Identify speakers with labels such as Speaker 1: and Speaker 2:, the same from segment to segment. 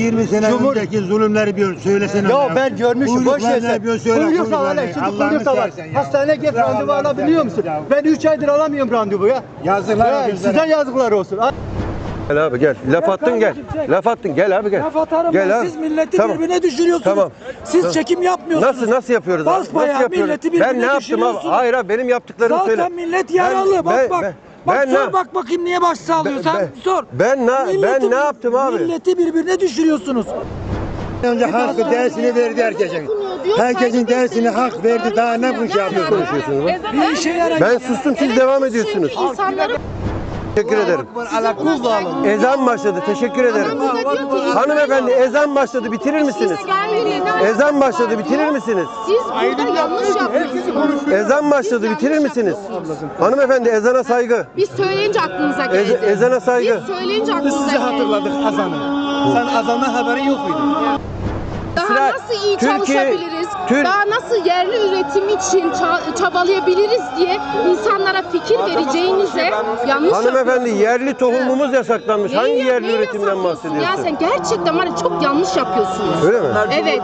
Speaker 1: 20 sene önceki zulümleri bir söylesene.
Speaker 2: Ya ben görmüşüm, boş ver sen. Kuyruk da var, şimdi kuyruk da var. Hastaneye git, randevu alabiliyor musun? Ben 3 aydır alamıyorum randevu ya.
Speaker 1: Yazıklar olsun.
Speaker 2: Size yazıklar olsun.
Speaker 3: Gel abi gel. Laf attın gel. Laf attın gel abi gel.
Speaker 4: Laf atarım
Speaker 3: Gel
Speaker 4: ben.
Speaker 3: abi.
Speaker 4: Siz milleti
Speaker 3: Tamam.
Speaker 4: birbirine düşürüyorsunuz.
Speaker 3: Tamam.
Speaker 4: Siz
Speaker 3: Tamam.
Speaker 4: çekim yapmıyorsunuz.
Speaker 3: Nasıl yapıyoruz abi?
Speaker 4: Basbayağı
Speaker 3: Nasıl yapıyoruz?
Speaker 4: milleti birbirine
Speaker 3: Ben ne yaptım abi?
Speaker 4: düşürüyorsunuz.
Speaker 3: Hayır abi benim yaptıklarımı
Speaker 4: Zaten
Speaker 3: söyle.
Speaker 4: millet yaralı. Bak sor bak bakayım niye baş sağlıyor. Sen sor.
Speaker 3: Ben ne yaptım abi?
Speaker 4: Milleti birbirine düşürüyorsunuz.
Speaker 1: Önce hakkı dersini verdi herkesin. Herkesin dersini hak verdi. Daha ne bu şey yapıyorsunuz?
Speaker 4: Bir işe yarar.
Speaker 3: Ben sustum siz devam ediyorsunuz. Teşekkür ederim. Ezan başladı. Teşekkür ederim. Hanımefendi ezan başladı. Bitirir misiniz? Ezan başladı. Bitirir misiniz?
Speaker 5: Siz burada yanlış yapıyorsunuz.
Speaker 3: Ezan başladı. Bitirir misiniz? Hanımefendi ezana saygı.
Speaker 5: Biz söyleyince aklınıza geldi.
Speaker 3: Ezana saygı.
Speaker 5: Biz söyleyince aklınıza geldi.
Speaker 2: Hatırladık azanı. Sen azandan haberin yok muydu?
Speaker 5: Daha nasıl iyi
Speaker 3: Türkiye-
Speaker 5: çalışabiliriz? Daha nasıl yerli üretim için çabalayabiliriz diye insanlara fikir vereceğinize yanlış
Speaker 3: Hanımefendi
Speaker 5: yapıyorsunuz.
Speaker 3: yerli tohumumuz yasaklanmış. Hangi
Speaker 5: Neyi-
Speaker 3: yerli
Speaker 5: neyi
Speaker 3: üretimden
Speaker 5: yasaklıyorsun? Ya
Speaker 3: bahsediyorsun?
Speaker 5: sen gerçekten var ya çok yanlış yapıyorsunuz.
Speaker 3: Öyle mi?
Speaker 5: Evet.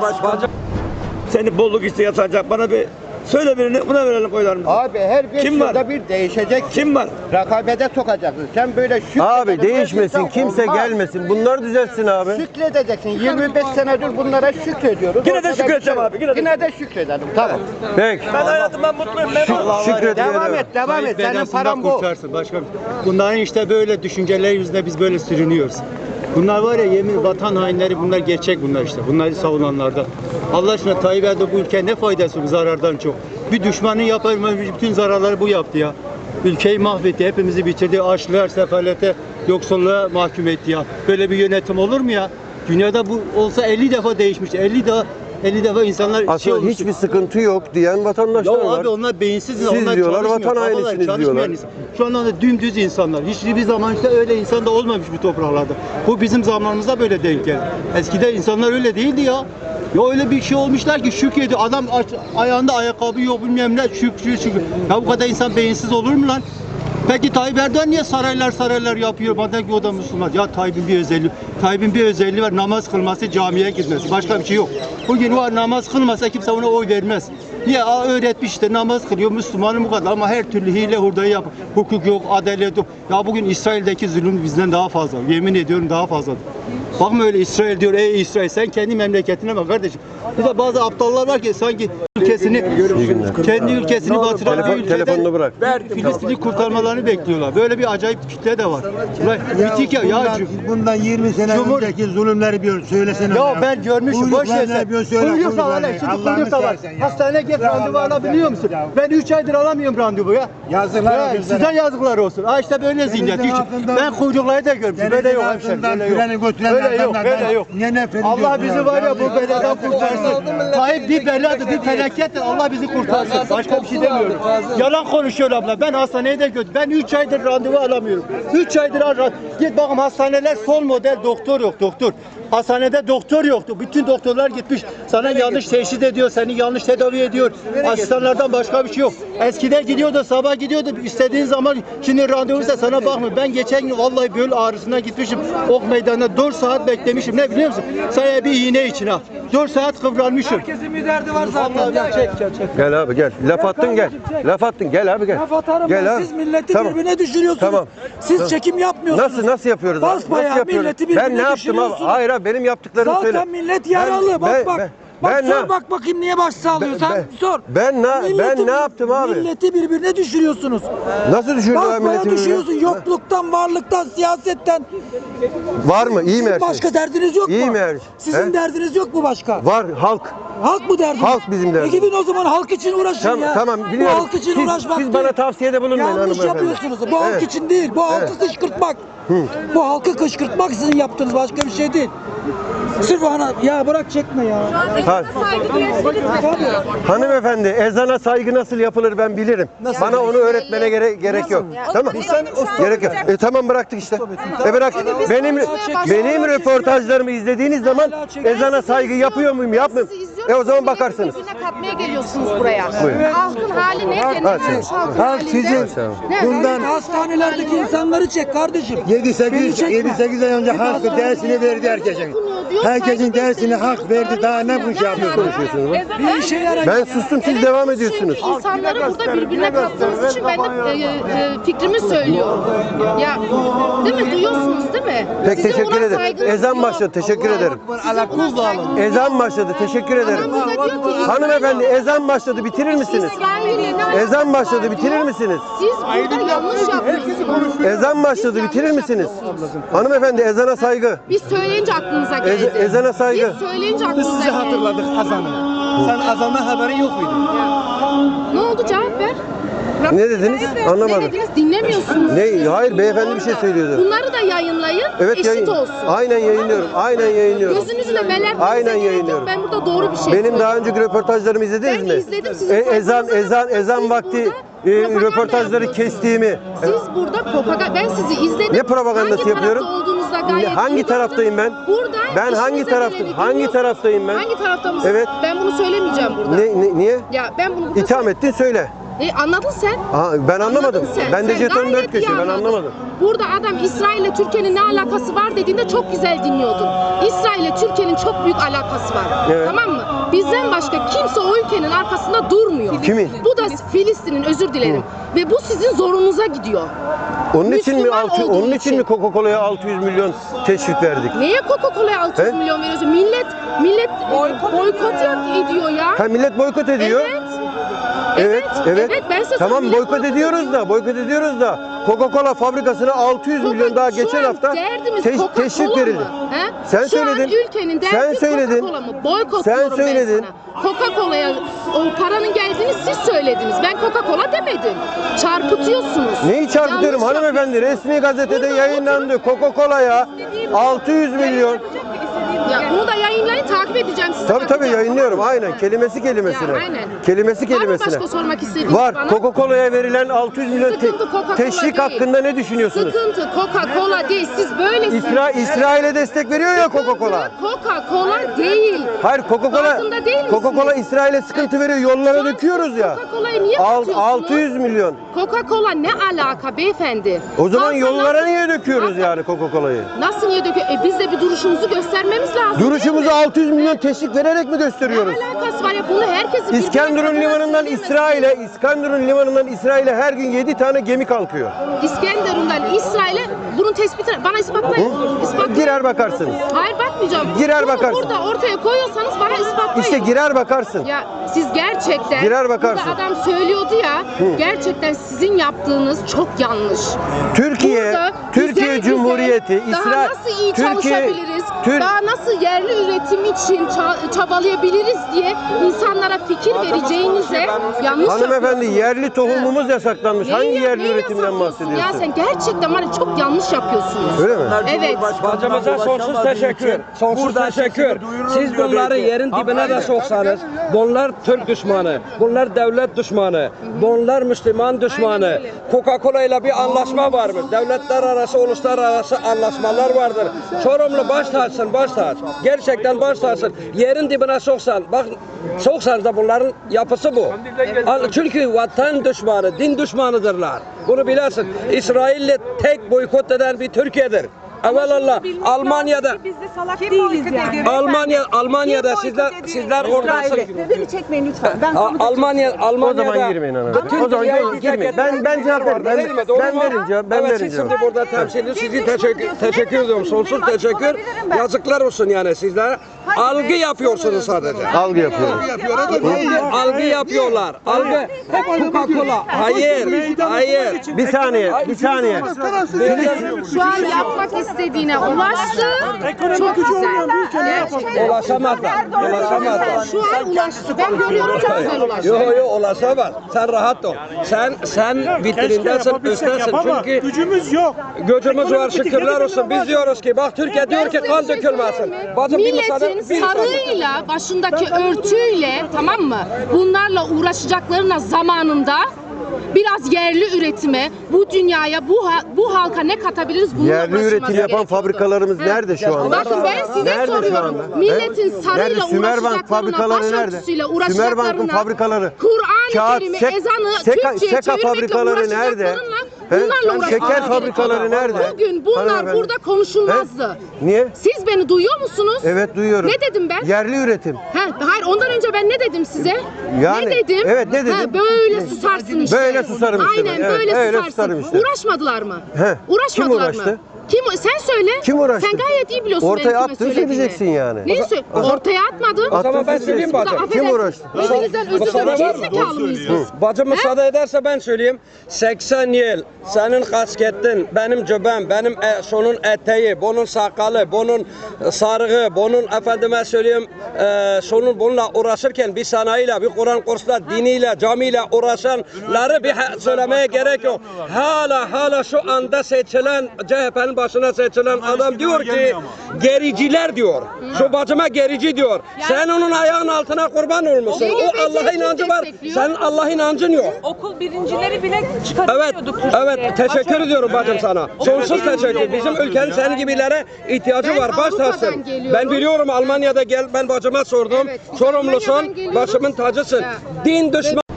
Speaker 6: Seni bolluk işte yatacak. Bana bir söyle birini, buna verelim oylarımızı.
Speaker 2: Abi her 5
Speaker 6: Kim var?
Speaker 2: yılda bir değişecek.
Speaker 6: Kim var?
Speaker 2: Rakabete sokacaksın. Sen böyle
Speaker 3: Abi değişmesin, kimse gelmesin. Bunlar düzelsin abi.
Speaker 2: Şükredeceksin. 25 senedir bunlara şükrediyoruz.
Speaker 6: Yine de
Speaker 2: Ortada bir
Speaker 6: şükredeceğim
Speaker 2: şey
Speaker 6: abi, yine
Speaker 2: yok.
Speaker 6: de.
Speaker 2: Yine de şükredelim. Tamam.
Speaker 3: Peki.
Speaker 6: Ben hayatımdan mutluyum. Memnunum.
Speaker 3: Şükrediyorum.
Speaker 2: Devam et. Senin paran bu.
Speaker 7: Kurtarsın başkanım. Bunların işte böyle düşünceler yüzünden biz böyle sürünüyoruz. Bunlar var ya yemin vatan hainleri bunlar gerçek bunlar işte. Bunları savunanlardan. Allah aşkına Tayyip Erdoğan bu ülkeye ne faydası bu zarardan çok. Bir düşmanın yapabilmesi bütün zararları bu yaptı ya. Ülkeyi mahvetti, hepimizi bitirdi. Açlığa, sefalete, yoksulluğa mahkum etti ya. Böyle bir yönetim olur mu ya? Dünyada bu olsa 50 defa değişmiş. 50 defa insanlar
Speaker 3: Aslında
Speaker 7: olmuş.
Speaker 3: hiçbir sıkıntı yok diyen vatandaşlar
Speaker 7: Ya
Speaker 3: var.
Speaker 7: abi onlar beyinsiz,
Speaker 3: Siz
Speaker 7: onlar
Speaker 3: diyorlar,
Speaker 7: çalışmıyor,
Speaker 3: vatan
Speaker 7: kafaları
Speaker 3: hainisiniz
Speaker 7: çalışmayan
Speaker 3: diyorlar.
Speaker 7: insan. Şu anda da dümdüz insanlar. Hiçbir zaman işte öyle insan da olmamış bu topraklarda. Bu bizim zamanımızda böyle denk geldi. Eskiden insanlar öyle değildi ya. Ya öyle bir şey olmuşlar ki şükrediyor. Adam ayağında ayakkabı yok bilmem ne şükür. Ya bu kadar insan beyinsiz olur mu lan? Peki Tayyip Erdoğan niye saraylar yapıyor? Bana ki o da Müslüman. Ya Tayyip'in bir özelliği var. Namaz kılması, camiye gitmesi. Başka bir şey yok. Bugün var namaz kılmasa kimse ona oy vermez. Niye? Öğretmiş işte namaz kılıyor Müslümanın bu kadar ama her türlü hile hurdayı yapıyor. Hukuk yok, adalet yok. Ya bugün İsrail'deki zulüm bizden daha fazla. Yemin ediyorum daha fazladır. Bakma öyle İsrail diyor. Ey İsrail sen kendi memleketine bak kardeşim. Burada bazı aptallar var ki sanki kendi ülkesini batıran bir ülkeden
Speaker 3: Telefonunu bırak.
Speaker 7: Filistin'i kurtarmalarını bekliyorlar. Böyle bir acayip kitle de var. Ulan bitik ya.
Speaker 1: Bundan 20 sene önceki zulümleri bir söylesene.
Speaker 2: Ya ben görmüşüm, boş ver sen. Kuyruk da var, şimdi kuyruk da var. Hastaneye git, randevu alabiliyor musun? Ben 3 aydır alamıyorum randevu ya.
Speaker 1: Yazıklar olsun.
Speaker 2: Size yazıklar olsun. Ha işte böyle zihniyet. Ben kuyrukları da görmüşüm. Böyle yok hemşerim. Böyle yok. Böyle yok. Allah bizi var ya bu beladan kurtarsın. Tayyip bir beladır, bir felakettir. Allah bizi kurtarsın. Başka bir şey demiyorum. Yalan konuşuyor abla. Ben hastaneye de götürdüm. Ben 3 aydır randevu alamıyorum. 3 aydır git bakın hastaneler son model doktor yok doktor. Hastanede doktor yoktu. Bütün doktorlar gitmiş. Sana yanlış teşhis ediyor, seni yanlış tedavi ediyor. Asistanlardan başka bir şey yok. Eskiden gidiyordu, sabah gidiyordu. İstediğin zaman şimdi randevuysa sana bakmıyor. Ben geçen gün vallahi böl ağrısına gitmişim. Ok meydanına 4 saat beklemişim. Ne biliyor musun? Sana bir iğne için ha. 4 saat kıvranmışım.
Speaker 4: Herkesin bir derdi var zaten.
Speaker 2: Çek.
Speaker 3: Gel abi gel. Laf attın gel. Laf attın gel abi gel.
Speaker 4: Laf atarım
Speaker 3: Gel
Speaker 4: ben.
Speaker 3: abi.
Speaker 4: Siz milleti
Speaker 3: Tamam.
Speaker 4: birbirine düşürüyorsunuz.
Speaker 3: Tamam.
Speaker 4: Siz çekim yapmıyorsunuz.
Speaker 3: Nasıl yapıyoruz abi?
Speaker 4: Basbayağı
Speaker 3: Nasıl yapıyoruz?
Speaker 4: milleti birbirine
Speaker 3: Ben ne yaptım abi?
Speaker 4: düşürüyorsunuz.
Speaker 3: Hayır abi benim yaptıklarımı
Speaker 4: Zaten
Speaker 3: söyle.
Speaker 4: millet yaralı. Bak sor bak bakayım niye baş sağlıyor. Sen sor.
Speaker 3: Ben ne yaptım abi?
Speaker 4: Milleti birbirine düşürüyorsunuz.
Speaker 3: Nasıl düşürdün abi
Speaker 4: Basbaya
Speaker 3: milleti birbirine?
Speaker 4: düşürüyorsun. Yokluktan, varlıktan, siyasetten.
Speaker 3: Var mı? İyi mi her şey?
Speaker 4: Başka derdiniz yok mu?
Speaker 3: İyi mi her şey?
Speaker 4: Sizin
Speaker 3: He?
Speaker 4: derdiniz yok mu başka?
Speaker 3: Var halk.
Speaker 4: Halk mı derdiniz?
Speaker 3: Halk bizim derdimiz.
Speaker 4: Gidin o zaman halk için uğraşın ya.
Speaker 3: Tamam
Speaker 4: Bu
Speaker 3: biliyorum.
Speaker 4: halk için uğraşmak
Speaker 3: Siz bana
Speaker 4: değil.
Speaker 3: tavsiyede bulunmayın
Speaker 4: Yanlış
Speaker 3: hanımefendi.
Speaker 4: yapıyorsunuz. Bu halk
Speaker 3: Evet.
Speaker 4: için değil. Bu halkı kışkırtmak. Bu halkı kışkırtmak sizin yaptığınız başka bir şey değil. Sırf ya bırak çekme ya.
Speaker 3: Hanımefendi ezana saygı nasıl yapılır ben bilirim. Bana onu öğretmene gerek yok. Tamam. Gerek yok. Tamam bıraktık işte. Bıraktık. Benim röportajlarımı izlediğiniz zaman ezana saygı yapıyor muyum yapmıyorum. O zaman bakarsınız.
Speaker 5: Birbirine katmaya geliyorsunuz buraya.
Speaker 3: Buyurun.
Speaker 5: Halkın hali nerede?
Speaker 1: Halk sizin bundan
Speaker 4: Hastanelerdeki insanları çek kardeşim.
Speaker 1: 7-8 ay önce hakkı dersini verdi herkesin.
Speaker 5: diyorsaydın
Speaker 1: Herkesin dersini hak verdi. Daha ne bu şey yapıyorsunuz?
Speaker 4: Bir işe yarar.
Speaker 3: Ben sustum, siz devam ediyorsunuz.
Speaker 5: İnsanları burada birbirine kattığınız için ben de fikrimi söylüyorum. Ya değil mi? Duyuyorsunuz değil mi?
Speaker 3: Pek
Speaker 5: Sizin
Speaker 3: teşekkür
Speaker 5: buna
Speaker 3: ederim.
Speaker 5: saygınız
Speaker 3: Ezan
Speaker 5: yok.
Speaker 3: başladı. Teşekkür ederim.
Speaker 5: Sizin buna saygınız
Speaker 3: Ezan başladı. Teşekkür ederim.
Speaker 5: Adam burada diyor ki,
Speaker 3: Hanımefendi ezan başladı. Bitirir misiniz?
Speaker 5: İsrail'le ne alakası
Speaker 3: Ezan
Speaker 5: var
Speaker 3: başladı. Bitirir
Speaker 5: diyor.
Speaker 3: misiniz?
Speaker 5: Siz burada yanlış yapıyorsunuz.
Speaker 3: Ezan başladı. Bitirir misiniz? Hanımefendi ezana saygı.
Speaker 5: Biz söyleyince aklınıza geldi.
Speaker 3: Ezana saygı.
Speaker 5: Biz söyleyince aklınıza
Speaker 2: Sizi
Speaker 5: geldi.
Speaker 2: hatırladık azanı. Sen azandan haberin yok muydu?
Speaker 5: Ne oldu, cevap ver.
Speaker 3: Ne dediniz?
Speaker 5: Ne
Speaker 3: Anlamadım.
Speaker 5: dediniz? Dinlemiyorsunuz.
Speaker 3: Ne? Hayır, beyefendi bir şey söylüyordu.
Speaker 5: Bunları da yayınlayın.
Speaker 3: Evet,
Speaker 5: eşit olsun.
Speaker 3: Aynen yayınlıyorum. Aynen yayınlıyorum.
Speaker 5: Gözünüzle meler
Speaker 3: Aynen yayınlıyorum.
Speaker 5: Ben burada doğru bir şey
Speaker 3: Benim
Speaker 5: söylüyorum.
Speaker 3: daha önceki röportajlarımı izlediniz
Speaker 5: Ben
Speaker 3: mi?
Speaker 5: izledim, sizin
Speaker 3: Ezan
Speaker 5: sayfanızda siz
Speaker 3: vakti
Speaker 5: burada
Speaker 3: röportajları
Speaker 5: propaganda
Speaker 3: kestiğimi.
Speaker 5: Siz burada propaganda, ben sizi izledim.
Speaker 3: Ne propagandası
Speaker 5: hangi
Speaker 3: yapıyorum?
Speaker 5: Tarafta olduğunuzda gayet
Speaker 3: Hangi
Speaker 5: iyi
Speaker 3: taraftayım ben?
Speaker 5: baktım. Burada
Speaker 3: Ben hangi
Speaker 5: işinize
Speaker 3: taraftayım?
Speaker 5: geleni
Speaker 3: Hangi
Speaker 5: dinliyorsunuz.
Speaker 3: taraftayım ben?
Speaker 5: Hangi tarafta mısınız?
Speaker 3: Evet.
Speaker 5: Ben bunu söylemeyeceğim burada.
Speaker 3: Niye?
Speaker 5: Ya ben bunu burada
Speaker 3: İtham ettin söyle.
Speaker 5: Anladın sen.
Speaker 3: Ben anlamadım.
Speaker 5: Anladın sen.
Speaker 3: Ben de
Speaker 5: Sen
Speaker 3: jeton
Speaker 5: gayet
Speaker 3: 4 köşe
Speaker 5: iyi
Speaker 3: ben
Speaker 5: anladın.
Speaker 3: anlamadım.
Speaker 5: Burada adam İsrail ile Türkiye'nin ne alakası var dediğinde çok güzel dinliyordun. İsrail ile Türkiye'nin çok büyük alakası var.
Speaker 3: Evet.
Speaker 5: Tamam mı? Bizden başka kimse o ülkenin arkasında durmuyor.
Speaker 3: Kimin?
Speaker 5: Bu da Filistin'in, özür dilerim. Ve bu sizin zorunuza gidiyor.
Speaker 3: Onun için mi
Speaker 5: Müslüman olduğu
Speaker 3: onun için mi Coca-Cola'ya 600 milyon teşvik verdik?
Speaker 5: Neye Coca-Cola'ya 600
Speaker 3: He?
Speaker 5: milyon veriyorsun? Millet boykot ediyor ya.
Speaker 3: Ha, millet boykot ediyor.
Speaker 5: Evet.
Speaker 3: Evet.
Speaker 5: Ben size
Speaker 3: Tamam,
Speaker 5: söyleyeyim,
Speaker 3: boykot ediyoruz da Coca-Cola fabrikasına 600 milyon daha geçen hafta teşvik verildi. Sen
Speaker 5: Şu
Speaker 3: söyledin.
Speaker 5: an ülkenin derdi
Speaker 3: Sen söyledin.
Speaker 5: Coca-Cola mı? Boykot
Speaker 3: Sen
Speaker 5: diyorum
Speaker 3: söyledin.
Speaker 5: ben sana. Coca-Cola'ya o paranın geldiğini siz söylediniz. Ben Coca-Cola demedim. Çarpıtıyorsunuz.
Speaker 3: Neyi çarpıtıyorum
Speaker 5: Yanlış
Speaker 3: hanımefendi? Resmi gazetede yayınlandı. Coca-Cola'ya 600 milyon.
Speaker 5: Ya bunu da yayınlayın, takip edeceğim sizi.
Speaker 3: Tabii yayınlıyorum. Aynen. Kelimesine.
Speaker 5: Ya, aynen.
Speaker 3: Kelimesi
Speaker 5: Var mı
Speaker 3: kelimesine.
Speaker 5: başka sormak istediğiniz
Speaker 3: Var.
Speaker 5: bana?
Speaker 3: Coca-Cola'ya verilen 600 milyon
Speaker 5: Sıkıntı Coca-Cola
Speaker 3: teşvik
Speaker 5: değil.
Speaker 3: hakkında ne düşünüyorsunuz?
Speaker 5: Sıkıntı Coca-Cola değil. Siz böylesiniz.
Speaker 3: İsrail'e destek veriyor ya Coca-Cola.
Speaker 5: Coca-Cola değil.
Speaker 3: Hayır,
Speaker 5: Farkında değil misiniz?
Speaker 3: Coca-Cola İsrail'e sıkıntı veriyor. Yollara döküyoruz ya.
Speaker 5: Coca-Cola'yı niye katıyorsunuz?
Speaker 3: 600 milyon.
Speaker 5: Coca-Cola ne alaka beyefendi?
Speaker 3: O zaman
Speaker 5: Halka
Speaker 3: yollara
Speaker 5: nasıl-
Speaker 3: niye döküyoruz
Speaker 5: Halka-
Speaker 3: yani Coca-Cola'yı?
Speaker 5: Nasıl niye döküyor? Biz de bir duruşumuzu göstermemiz lazım.
Speaker 3: Duruşumuzu
Speaker 5: değil mi?
Speaker 3: 600 milyon teşvik vererek mi gösteriyoruz?
Speaker 5: Ne alakası var ya? Bunu herkesin
Speaker 3: İskenderun limanından İsrail'e her gün 7 tane gemi kalkıyor.
Speaker 5: İskenderun'dan İsrail'e bunun tespitini bana ispatlayın. İspatlayın.
Speaker 3: Girer bakarsın.
Speaker 5: Hayır, bakmayacağım.
Speaker 3: Girer
Speaker 5: Bunu
Speaker 3: bakarsın.
Speaker 5: burada ortaya koyuyorsanız bana ispatlayın.
Speaker 3: İşte girer bakarsın.
Speaker 5: Ya siz gerçekten
Speaker 3: Girer bakarsın.
Speaker 5: burada adam söylüyordu ya, gerçekten sizin yaptığınız çok yanlış.
Speaker 3: Türkiye
Speaker 5: Burada güzel
Speaker 3: Cumhuriyeti,
Speaker 5: daha
Speaker 3: İsrail,
Speaker 5: nasıl iyi çalışabiliriz,
Speaker 3: Tür-
Speaker 5: daha nasıl yerli üretim için çabalayabiliriz diye insanlara fikir vereceğinize yanlış
Speaker 3: Hanımefendi,
Speaker 5: yapıyorsunuz.
Speaker 3: yerli tohumumuz yasaklanmış. Hangi yerli
Speaker 5: neyi
Speaker 3: üretimden
Speaker 5: yasaklıyorsun
Speaker 3: bahsediyorsun?
Speaker 5: Ya sen gerçekten var ya, çok yanlış yapıyorsunuz.
Speaker 3: Öyle mi?
Speaker 5: Evet.
Speaker 8: Bacımıza sonsuz teşekkür. Sonsuz teşekkür. Siz bunları yerin dibine de soksanız, bunlar Türk düşmanı, bunlar devlet düşmanı, bunlar Müslüman düşmanı. Coca-Cola ile bir anlaşma var mı? Devletler arası, uluslararası anlaşmalar vardır. Sorumlu baş tacısın, baş taç. Gerçekten baş tacısın. Yerin dibine soksan, bak soksanız da bunların yapısı bu. Çünkü vatan düşmanı, din düşmanıdırlar. Bunu bilersin. İsrail'le tek boykot eden bir Türkiye'dir. Evelallah Almanya'da
Speaker 9: Biz de salak değiliz yani.
Speaker 8: Almanya'da sizler oradasınız.
Speaker 9: Beni çekmeyin lütfen. Ben
Speaker 3: O
Speaker 8: Almanya'da
Speaker 3: zaman girmeyin hanımefendi.
Speaker 8: bütün
Speaker 3: O zaman
Speaker 8: dünyayı
Speaker 3: girmeyin.
Speaker 8: dikkat
Speaker 3: Ben cevap veririm.
Speaker 8: Değil mi? Doğru
Speaker 3: Ben
Speaker 8: mu?
Speaker 3: verin cevap. Ben
Speaker 8: Evet,
Speaker 3: verin
Speaker 8: siz
Speaker 3: cevap.
Speaker 8: şimdi burada temsilci sizi teşekkür ediyorum. Sonsuz teşekkür. Yazıklar olsun yani sizlere. Algı yapıyorsunuz sadece.
Speaker 3: Algı yapıyorum.
Speaker 8: Algı yapıyorlar. Algı. Coca-Cola. Hayır.
Speaker 3: Bir saniye.
Speaker 5: Şu an yapmak istediğine ulaştı. Çok güzel. Gerçekten.
Speaker 8: Ulaşamazlar.
Speaker 5: Şu an ulaştı. Ben görüyorum, çok güzel ulaştı.
Speaker 8: Yo ulaşamaz. Sen rahat ol. Sen vitrindesin, üsttesin. Çünkü
Speaker 2: Gücümüz yok.
Speaker 8: gücümüz var, şükürler olsun. Biz diyoruz ki bak Türkiye diyor ki kan dökülmesin. Bacım bir müsaade.
Speaker 5: Milletin sarığıyla, başındaki örtüyle, tamam mı? Bunlarla uğraşacaklarına zamanında biraz yerli üretime, bu dünyaya, bu halka ne katabiliriz? Bununla
Speaker 3: Yerli
Speaker 5: uğraşılması
Speaker 3: üretim yapan
Speaker 5: gerekiyor.
Speaker 3: fabrikalarımız nerede şu anda?
Speaker 5: Bakın ben size
Speaker 3: Nerede şu
Speaker 5: soruyorum.
Speaker 3: anda?
Speaker 5: Milletin
Speaker 3: Nerede?
Speaker 5: sarıyla
Speaker 3: Sümerbank
Speaker 5: uğraşacaklarına,
Speaker 3: fabrikaları nerede?
Speaker 5: başörtüsüyle
Speaker 3: Sümerbank'ın
Speaker 5: uğraşacaklarına,
Speaker 3: fabrikaları.
Speaker 5: Kur'an-ı
Speaker 3: Kağıt,
Speaker 5: Kerim'i,
Speaker 3: seka-
Speaker 5: ezanı
Speaker 3: seka
Speaker 5: Türkçe'ye çevirmekle
Speaker 3: fabrikaları nerede?
Speaker 5: uğraşacaklarına Bunlarla
Speaker 3: Şeker
Speaker 5: uğraşmak
Speaker 3: fabrikaları
Speaker 5: gerekiyor.
Speaker 3: nerede?
Speaker 5: Bugün bunlar
Speaker 3: Hanımefendi.
Speaker 5: burada konuşulmazdı.
Speaker 3: Niye?
Speaker 5: Siz beni duyuyor musunuz?
Speaker 3: Evet duyuyorum.
Speaker 5: Ne dedim ben?
Speaker 3: Yerli üretim.
Speaker 5: Hayır ondan önce ben ne dedim size?
Speaker 3: Yani,
Speaker 5: ne dedim?
Speaker 3: evet, ne dedim?
Speaker 5: Böyle susarsın işte.
Speaker 3: Böyle susarım işte
Speaker 5: Aynen
Speaker 3: ben, evet,
Speaker 5: böyle
Speaker 3: öyle
Speaker 5: susarsın.
Speaker 3: susarım işte.
Speaker 5: Uğraşmadılar mı?
Speaker 3: He.
Speaker 5: Uğraşmadılar
Speaker 3: Kim uğraştı?
Speaker 5: mı? Sen söyle.
Speaker 3: Kim uğraştı?
Speaker 5: Sen gayet iyi biliyorsun
Speaker 3: Ortaya
Speaker 5: benim kime
Speaker 3: attın,
Speaker 5: söylediğimi.
Speaker 3: söyleyeceksin yani.
Speaker 5: Neyi Ortaya atmadım.
Speaker 8: O zaman ben söyleyeyim
Speaker 5: Burada
Speaker 8: bacım.
Speaker 3: Kim
Speaker 5: affedersin,
Speaker 3: uğraştı?
Speaker 5: Birbirinizden özür
Speaker 8: Müsaade
Speaker 5: dilerim.
Speaker 8: var mı?
Speaker 5: Gerizekalı mıyız biz?
Speaker 8: Bacım müsaade ederse ben söyleyeyim. 80 yıl senin kasketin, benim cübbem, benim şunun eteği, bunun sakalı, bunun sarığı, bunun efendime söyleyeyim şunun bununla uğraşırken bir sanayiyle, bir Kur'an kursla, diniyle, camiyle uğraşanları bir söylemeye gerek yok. Hala şu anda seçilen CHP'nin başına seçilen adam diyor ki gericiler diyor. Şu bacıma gerici diyor. Sen onun ayağının altına kurban olmuşsun. O Allah inancı var. Senin Allah inancın yok.
Speaker 9: Okul birincileri bile
Speaker 8: Evet,
Speaker 9: çıkartıyorduk.
Speaker 8: evet teşekkür ediyorum bacım sana. Sonsuz teşekkür. Bizim ülkenin senin gibilere ihtiyacı
Speaker 5: Ben
Speaker 8: var. Baş
Speaker 5: Avrupa'dan
Speaker 8: tacısın.
Speaker 5: geliyorum.
Speaker 8: Ben biliyorum Almanya'da gel ben bacıma sordum.
Speaker 5: Evet, biz
Speaker 8: Sorumlusun.
Speaker 5: Almanya'dan geliyoruz.
Speaker 8: Başımın tacısın.
Speaker 5: Ya.
Speaker 8: Din düşmanı